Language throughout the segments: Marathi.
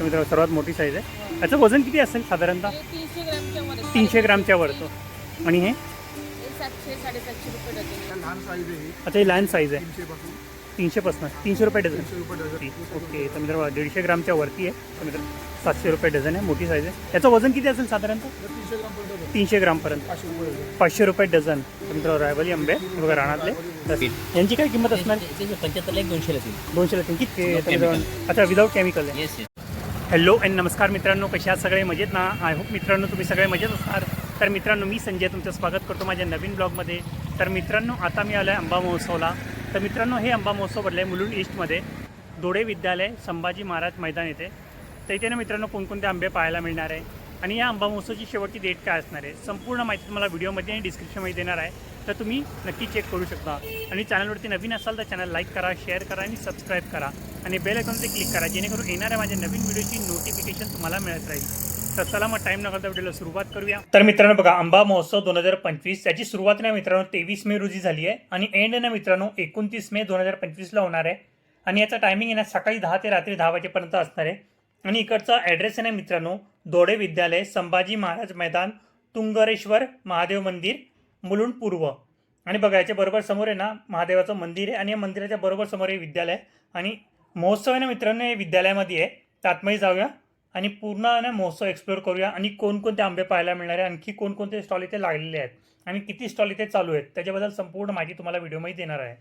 तर मित्रांनो सर्वात मोठी साईज आहे. याचं वजन किती असेल साधारणतः? 300 ग्रामच्या वर 300 ग्रामच्या वर तो. आणि हे 700-750 रुपये डझन. लहान साईज आहे ही. अच्छा ही लहान साईज आहे. 300 पासून 300 300 रुपये डझन. 300 रुपये डझन. ओके. तर मित्रांनो 150 ग्रामच्या वरती आहे. तर मित्रांनो 700 रुपये डझन आहे. मोठी साईज आहे. याचं वजन किती असेल साधारणतः? 300 ग्राम पर्यंत 300 ग्रामपर्यंत. 500 रुपये डझन. 500 रुपये डझन. तर मित्रांनो रायवली आंबे हे बघा रानातले. यांची काय किंमत असणार? 75 200 ला 200 ला किती? अच्छा विदाऊट केमिकल आहे. येस. हॅलो अँड नमस्कार मित्रांनो, कसे आहात सगळे? मजेत ना? आय होप मित्रांनो तुम्ही सगळे मजेत असणार. तर मित्रांनो मी संजय तुमचं स्वागत करतो माझ्या नवीन ब्लॉगमध्ये. तर मित्रांनो आता मी आलो आहे आंबा महोत्सवला. तर मित्रांनो हे आंबा महोत्सव भरलं आहे मुलुंड ईस्टमध्ये, दोडे विद्यालय संभाजी महाराज मैदान येथे. तर इथे ना मित्रांनो कोणकोणते आंबे पाहायला मिळणार आहे आणि या आंबा महोत्सवची शेवटची डेट काय असणार आहे संपूर्ण माहिती तुम्हाला व्हिडिओमध्ये आणि डिस्क्रिप्शनमध्ये देणार आहे. तर तुम्ही नक्की चेक करू शकता. आणि चॅनलवरती नवीन असाल तर चॅनल लाईक करा, शेअर करा आणि सबस्क्राईब करा आणि बेल आयकॉनवर क्लिक करा जेणेकरून येणाऱ्या माझ्या नवीन व्हिडिओची नोटिफिकेशन तुम्हाला मिळत राहील. तर चला मग टाईम न करता व्हिडिओला सुरुवात करूया. तर मित्रांनो बघा आंबा महोत्सव 2025 याची सुरुवात ना मित्रांनो 23 मे रोजी झाली आहे आणि एंड ना मित्रांनो 29 मे 2025ला होणार आहे. आणि याचा टायमिंग आहे ना सकाळी 10 ते रात्री 10 वाजेपर्यंत असणार आहे. आणि इकडचा ॲड्रेस आहे ना मित्रांनो दोडे विद्यालय संभाजी महाराज मैदान, तुंगरेश्वर महादेव मंदिर, मुलुंड पूर्व. आणि बघा याच्या बरोबर समोर आहे ना महादेवाचं मंदिर आहे आणि या मंदिराच्या बरोबर समोर हे विद्यालय आणि महोत्सव आहे ना मित्रांनो हे विद्यालयामध्ये आहे. तर आतमध्ये जाऊया आणि पूर्ण ना महोत्सव एक्सप्लोअर करूया आणि कोणकोणते आंबे पाहायला मिळणार आहे, आणखी कोणकोणते स्टॉल इथे लागलेले आहेत आणि किती स्टॉल इथे चालू आहेत त्याच्याबद्दल संपूर्ण माहिती तुम्हाला व्हिडिओमध्ये देणार आहे.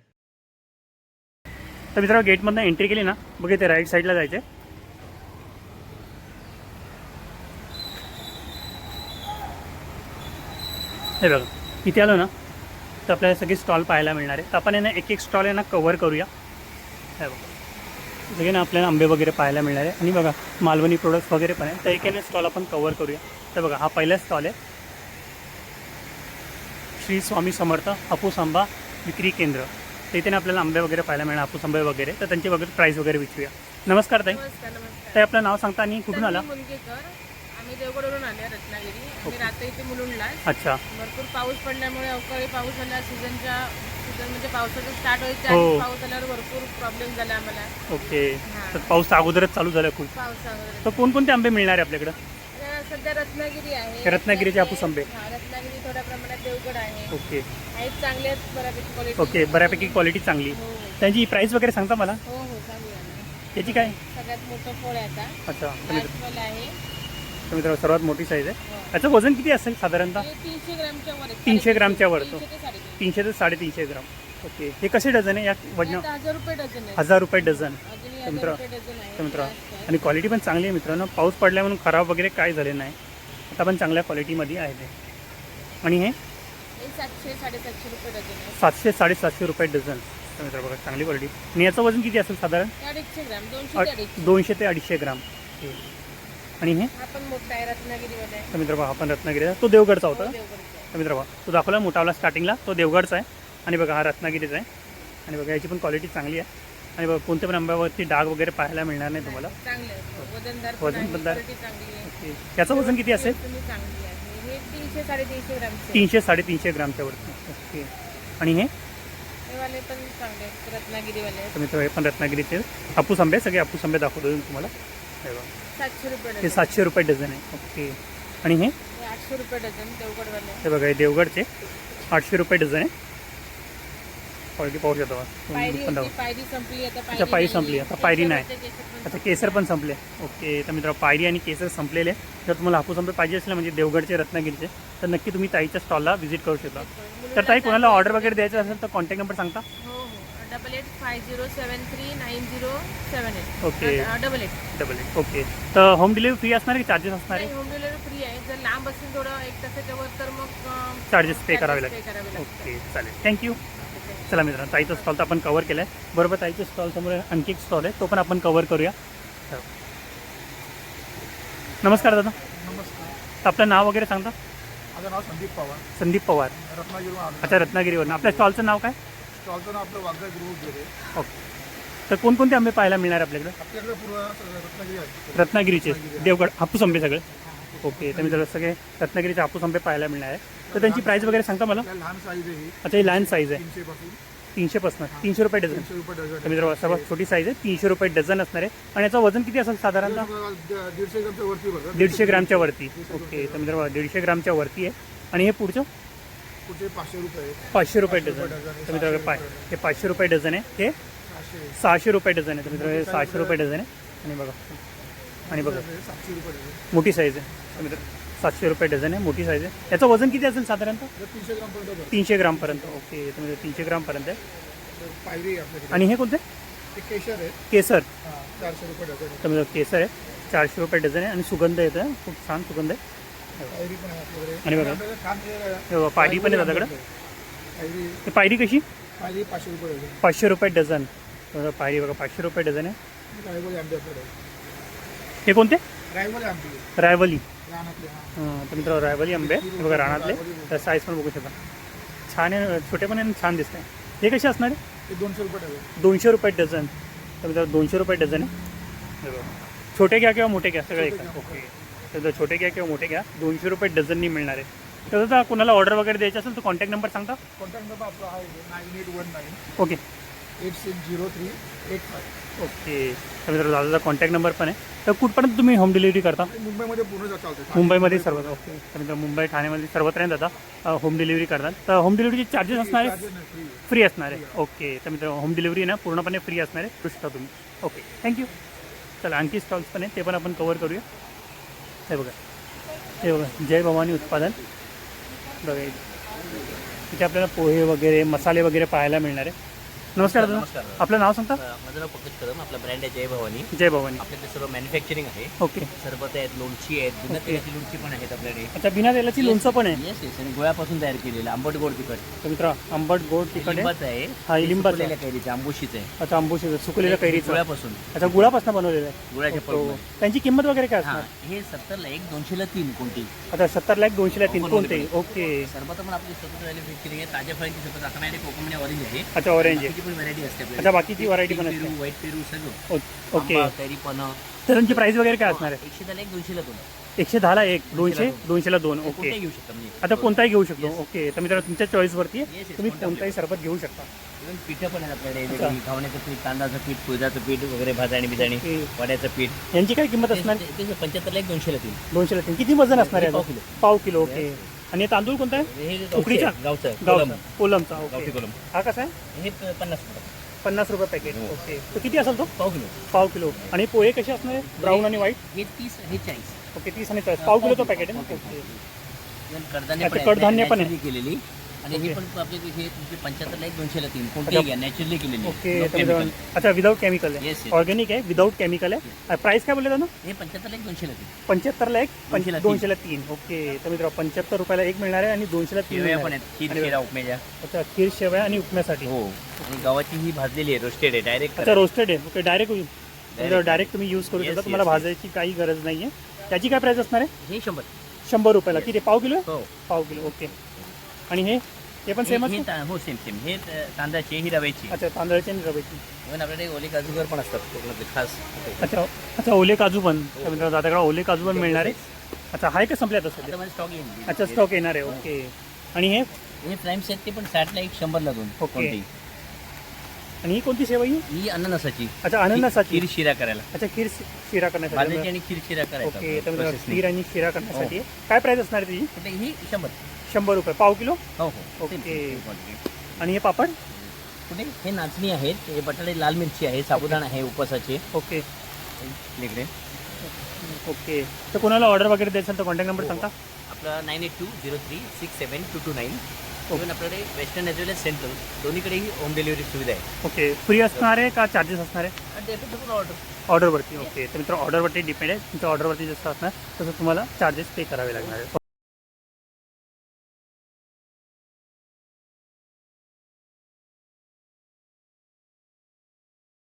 तर मित्रांनो गेटमधनं एंट्री केली ना बघा इथे राईट साईडला जायचे. हे बघा इथे आलो ना तर आपल्याला सगळे स्टॉल पाहायला मिळणार आहे. तर आपण आहे ना एक एक स्टॉल आहे ना कवर करूया. हे बघा सगळे ना आपल्याला आंबे वगैरे पाहायला मिळणार आहे आणि बघा मालवणी प्रोडक्ट्स वगैरे पण आहे. तर एकाने स्टॉल आपण कवर करूया. तर बघा हा पहिला स्टॉल आहे श्री स्वामी समर्थ हापूस आंबा विक्री केंद्र. तर इथे ना आपल्याला आंबे वगैरे पाहायला मिळणार हापूस आंबे वगैरे. तर त्यांची वगैरे प्राईस वगैरे विचारूया. नमस्कार ताई. नमस्कार. ताई आपलं नाव सांगता आणि कुठून आला? मुलगेकर. आम्ही देवगडवरून आले रत्नागिरी. आम्ही राहतो इथे मुलुंडला. अच्छा. भरपूर पाऊस पडल्यामुळे अवकाळी पाऊस झाला. सीझन म्हणजे पावसाचं स्टार्ट व्हायचं हो. आणि पाऊस आल्यावर भरपूर प्रॉब्लेम झाला आम्हाला. ओके. तर पाऊस अगोदरच चालू झाला खूप. पाऊस वगैरे तर कोणकोणते आंबे मिळणार आहे आपल्याकडं? सध्या रत्नागिरी आहे. रत्नागिरीचे हापूस आंबे. रत्नागिरी थोड्या प्रमाणात देवगड आहे. ओके आहेत चांगले आहेत बऱ्यापैकी क्वालिटी. ओके बऱ्यापैकी क्वालिटी चांगली. हो त्यांची प्राईस वगैरे सांगता मला? हो हो सांगूया ना. त्याची काय? सगळ्यात मोठं फळ आहे आता. अच्छा. लाल आहे. तर मित्रांनो सर्वात मोठी साईज आहे. हो. याचं वजन किती असेल साधारणतः? हे 300 ग्रामच्या वर आहे. 300 ग्रामच्या वर तो. 300 ते 350. 300 ते 350 ग्राम. ओके. हे कसे डझन आहे या वजन? आता 1000 रुपये डझन आहे. 1000 रुपये डझन. अजूनही तर 1000 रुपये डझन आहे. मित्रांनो आणि क्वालिटी पण चांगली आहे मित्रांनो. पाऊस पडल्या म्हणून खराब वगैरे काय झाले नाही. आता पण चांगल्या क्वालिटीमध्ये आहे ते. आणि हे हे 700-750 रुपये डझन आहे. 700-750 रुपये डझन. तर मित्रांनो बघा चांगली क्वालिटी. आणि याचं वजन किती असेल साधारण? हे 250 ग्राम. 200 ते 250. 200 ते 250 ग्राम. ओके. आणि हे हा पण मोठा आहे रत्नागिरीमध्ये आहे. तर मित्र बघा आपण रत्नागिरीचा तो देवगडचा होता. हो, देवगडचा. तर मित्र बघा तो दाखवला मोठावाला स्टार्टिंगला तो देवगडचा आहे आणि बघा हा रत्नागिरीचा आहे. आणि बघा याची पण क्वालिटी चांगली आहे. आणि बघा कोणत्या पण आंब्यावरती डाग वगैरे पाहायला मिळणार नाही तुम्हाला. चांगले आहे. वजनदार पण वजन आहे. पण दार. क्वालिटी चांगली आहे. ओके. याचं वजन किती असेल? तुम्ही चांगली आहे. हे 300-350 ग्रामचे. 300-350 ग्रामच्या वरती. ओके. आणि हे हे वाले पण चांगले आहेत. रत्नागिरीवाले आहेत. तर मित्र हे पण रत्नागिरीचे हापूस आंबे सगळे हापूस आंबे दाखवतो तुम्हाला. हे बघा 700 रुपये हे डझन. 700 रुपये डझन आहे. ओके. आणि हे हे 800 रुपये डझन देवगडवाले. हे बघा हे देवगडचे 800 रुपये डझन आहे. क्वालिटी पाहू शकतो पायरी पण होती, पायरी संपली आता. अच्छा, पायरी संपली, आता पायरी नाही. केसरचे केसर पण अच्छा केसर पण संपले. ओके. तर मित्र पायरी आणि केसर संपलेले. जर तुम्हाला हापूस आंबे पाहिजे असले म्हणजे देवगडचे रत्नागिरीचे तर नक्की तुम्ही ताईच्या स्टॉलला व्हिजिट करू शकता. संपले. तर ताई कोणाला ऑर्डर वगैरे द्यायचं असेल तर कॉन्टॅक्ट नंबर सांगता? हो हो 8850739078. ओके. 88. ओके. तर होम डिलिव्हरी फ्री असणार की चार्जेस असणार आहे? होम डिलिव्हरी फ्री आहे. जर लांब असेल थोडं 1 तासाच्या वर तर मग चार्जेस पे करावे पे करावे लागतील. लागतात. ओके चालेल थँक्यू. चला मित्रांनो ताईचा स्टॉल तर आपण कवर केला आहे. बरोबर ताईच्या स्टॉल समोर आणखी एक स्टॉल आहे तो पण आपण कवर करूया. नमस्कार दादा. नमस्कार. तर आपलं नाव वगैरे सांगता? माझं नाव संदीप पवार. संदीप पवार. रत्नागिरीवरून आलो. अच्छा रत्नागिरीवरून. आपल्या स्टॉलचं नाव काय? स्टॉलचं नाव आपलं वाघा गृह गेले. ओके. तर कोणकोणते आंबे पाहायला मिळणार आपल्याकडे? आपल्याकडे पूर्ण रत्नागिरी आहे. रत्नागिरीचे देवगड हापूस आंबे सगळे. ओके. तर मित्रांनो सगळे रत्नागिरीचे हापूस आंबे पाहायला मिळणार आहे. तर त्यांची प्राईस वगैरे सांगता मला? आपल्याला लहान साईज आहे ही. अच्छा ही लहान साईज आहे. 300 पासून 300 300 रुपये डझन. 300 रुपये डझन तर मित्रांनो सर्वात छोटी साईज आहे, 300 रुपये डझन असणार आहे. आणि याचं वजन किती असेल साधारणतः? 150 ग्रामच्या वरती बघा. 150 ग्रामच्या वरती. ओके, तर मित्रांनो 150 ग्रामच्या वरती आहे. आणि हे पुढचं पुढचे 500 रुपये 500 रुपये डझन. तर मित्रांनो हे 500 रुपये डझन आहे. हे 600 रुपये डझन आहे. तर मित्रांनो हे 600 रुपये डझन आहे. आणि बघा 700 रुपये डझन. मोठी साईज आहे. तर मित्रांनो 700 रुपये डझन आहे, मोठी साईज आहे. याचं वजन किती असेल साधारणतः? 300 ग्रामपर्यंत बघा. 300 ग्रामपर्यंत. ओके, तर म्हणजे 300 ग्रामपर्यंत आहे. पायरी आहे आपल्याकडे. आणि हे कोणते? ते केशर आहे. केसर. 400 रुपये डझन आहे. तर म्हणजे केसर आहे, 400 रुपये डझन आहे. आणि सुगंध येतं, खूप छान सुगंध आहे. पायरी पण आहे आपल्याकडे. आणि बघा आपल्याकडे छान हे बघा, पायरी पण आहे दादाकडे. पायरी ही पायरी कशी? पायरी 500 रुपये डझन. 500 रुपये डझन. तर पायरी बघा 500 रुपये डझन आहे. रायवली आंबे आपल्याकडे. हे कोणते? रायवली आंबे रायवली. रानातले. तर मित्रांनो रायवली आंबे हे बघा रानातले. तर साईज पण बघू शकता, छान आहे, छोटे पण आहे आणि छान दिसत आहे. हे कसे असणार आहे? ते 200 रुपये डझन. 200 रुपये डझन. तर मित्रांनो 200 रुपये डझन आहे. हे बघा. छोटे घ्या किंवा मोठे घ्या सगळे एक. ओके, तर छोटे घ्या किंवा मोठे घ्या, 200 रुपये डझननी मिळणार आहे. तर आता कोणाला ऑर्डर वगैरे द्यायची असेल तर कॉन्टॅक्ट नंबर सांगता? कॉन्टॅक्ट नंबर आपला आहे 9819 ओके 860385. ओके, तर मित्रांनो दादाचा कॉन्टॅक्ट नंबर पण आहे. तर कुठपर्यंत तुम्ही होम डिलिव्हरी करता? मुंबईमध्ये पूर्ण चालतं. मुंबईमध्ये सर्व. ओके, तर मित्रांनो मुंबई ठाण्यामध्ये सर्वत्र दादा होम डिलिव्हरी करतात. तर होम डिलिव्हरीचे चार्जेस असणार आहे? फ्री असणार आहे. ओके, तर मित्रांनो होम डिलिव्हरी ना पूर्णपणे फ्री असणार आहे, करू शकता तुम्ही. Okay, thank you. चला आणखी स्टॉल्स पण आहे, ते पण आपण कवर करूया. हे बघा, हे बघा जय भवानी उत्पादन बघा. इथे आपल्याला पोहे वगैरे मसाले वगैरे पाहायला मिळणार आहे. नमस्कार दादा, नमस्कार. आपलं नाव सांगता? माझं नाव पंकज कदम. आपला ब्रँड आहे जय भवानी. जय भवानी. आपल्याकडे सर्व मॅन्युफॅक्चरिंग आहे. ओके, सरबत आहेत, लोणची आहेत, बिना तेलाची लोणची पण आहेत आपल्याकडे. अच्छा बिना तेलाची लोणचं पण आहे? येस येस, आणि गोळ्यापासून तयार केलेलं आंबट गोड तिखट. तर मित्र आंबट गोड तिखट आहे. लिंबाचं आहे. हा, लिंबाचं. सुकलेल्या कैरीचं आंबोशीचं आहे. अच्छा आंबूस सुकलेल्या कैरीचं. गोळ्यापासून, अच्छा गुळापासून बनवलेलं आहे. गुळाच्या हो. पळून. त्यांची किंमत वगैरे काय हा, असणार? हे 70ला 1, 200ला 3 कोणती. आता 70 लाख 200 ला 3 Open कोणते? मध्ये. ओके, सरबत पण आपली स्वतंत्र मॅन्युफॅक्चरिंग आहे. ताज्या फळांची सरबत आता नाही, कोकम ऑरेंज आहे. अच्छा ऑरेंज आहे. बाकीची पण व्हरायटी असते आपल्याकडे. अच्छा बाकीची व्हरायटी पण पेरू, असते. व्हाईट पेरू सगळं. ओके, आंबा, कैरी पण. तर त्यांची प्राइस वगैरे काय असणार आहे? 110ला 1, 200ला 2. 110 ला 1, 200 200 ला 2. ओके, कोणतेही घेऊ शकता म्हणजे. आता कोणताही घेऊ शकतो. Yes. ओके, तर मित्रांनो तुमच्या चॉईसवरती Yes, आहे, yes, तुम्ही कोणता कोणताही सरबत घेऊ शकता. इव्हन पिठं पण आहेत आपल्याकडे. अच्छा. वेगळी घावण्याचं पीठ, तांदळाचं पीठ, कुळदाचं पीठ वगैरे, भाजणी बिजाणी, ओके. वड्याचं पीठ. यांची काय किंमत असणार? 75ला 1, 200ला 3. 200 ला 3. किती वजन असणार आहे? पाव किलो. पाव किलो. ओके, आणि हे तांदूळ कोणता आहे? हे उकडीचा? गावचं गावचा कोलमचा. गावठी ओके, कोलम. हा कसा आहे? हे 50 रुपये. 50 रुपये पॅकेट. हो. ओके, तर किती असेल तो? पाव किलो. पाव किलो. आणि पोहे कसे असणार आहे? ब्राऊन आणि व्हाईट. हे 30, हे 40. ओके, 30 आणि 40. पाव किलोचं पॅकेट आहे ना? ओके, इव्हन कडधान्य अच्छा, पण कडधान्य पण आहे. naturally केलेली. आणि ओके. हे पण आपले हे तुमचे 75ला 1, 200ला 3 कोणतेही घ्या, नॅचरली केलेली. ओके, No तर chemical. मित्रांनो, अच्छा विदाऊट केमिकल आहे. Yes, yes. ऑर्गॅनिक आहे, विदाऊट केमिकल आहे. प्राइस काय बोलले ना? हे 75ला 1, 200ला 3. 75 ला 1, 200 ला 200 ला 3. ओके, तर मित्रांनो 75 रुपयाला 1 मिळणार आहे आणि 200 ला 3 शेवया मिळणार पण आहे. आहेत, खीर आणि शिरा उपमेजा. अच्छा खीर शेवया आणि उपम्यासाठी. हो, आणि गव्हाची ही भाजलेली आहे, रोस्टेड आहे, डायरेक्ट. अच्छा रोस्टेड आहे. ओके, डायरेक्ट होईल. डायरेक्ट तुम्ही यूज करू Yes, शकता, तुम्हाला yes, yes. भाजायची काही गरज नाही आहे. त्याची काय प्राइस असणार आहे? हे 100. 100 रुपयाला. किती? पाव किलो? हो. पाव किलो. ओके, आणि हे पण सेमच? हो, सेम सेम. हे तांदळाची, ही रव्याची. अच्छा तांदळाची आणि रव्याची. इव्हन आपल्याकडे ओले काजूगर पण असतात कोकणातले खास. अच्छा अच्छा ओले काजू पण. तर मित्रांनो दादाकडे ओले काजू पण मिळणार आहे. अच्छा हाय का संपले आता आता सध्या? माझं स्टॉक येईल. अच्छा स्टॉक येणार आहे. ओके, आणि हे हे प्राईम्स आहेत, ते पण 60ला 1, 100ला 2. ओके. कोणती? आणि ही कोणती सेवा ही? ही अननसाची. अच्छा अननसाची. खीर शिरा करायला. अच्छा खीर शिरा करण्यासाठी. भाजायची आणि खीर शिरा करायचा. ओके, तर मित्रांनो Process खीर आणि शिरा करण्यासाठी आहे. काय प्राइस असणार आहे त्याची? कुठे ही 100. 100 रुपये पाव किलो. हो हो. ओके. Same quantity. आणि हे पापड? कुठे हे नाचणी आहेत, हे बटाटे लाल मिरची आहे, साबुदाणा आहे उपवासाचे. ओके इकडे ओके, तर कोणाला ऑर्डर वगैरे द्यायचं तर कॉन्टॅक्ट नंबर सांगता? आपला 9820367229. इव्हन आपल्याकडे western as well as central दोन्हीकडेही होम डिलिव्हरी सुविधा आहे. ओके, फ्री असणार आहे का चार्जेस असणार आहे? आणि ते ऑर्डर. ऑर्डरवरती. ओके, तर मित्र ऑर्डरवरती डिपेंड आहे. तुमच्या ऑर्डरवरती जसं असणार तसं तुम्हाला चार्जेस पे करावे लागणार आहे.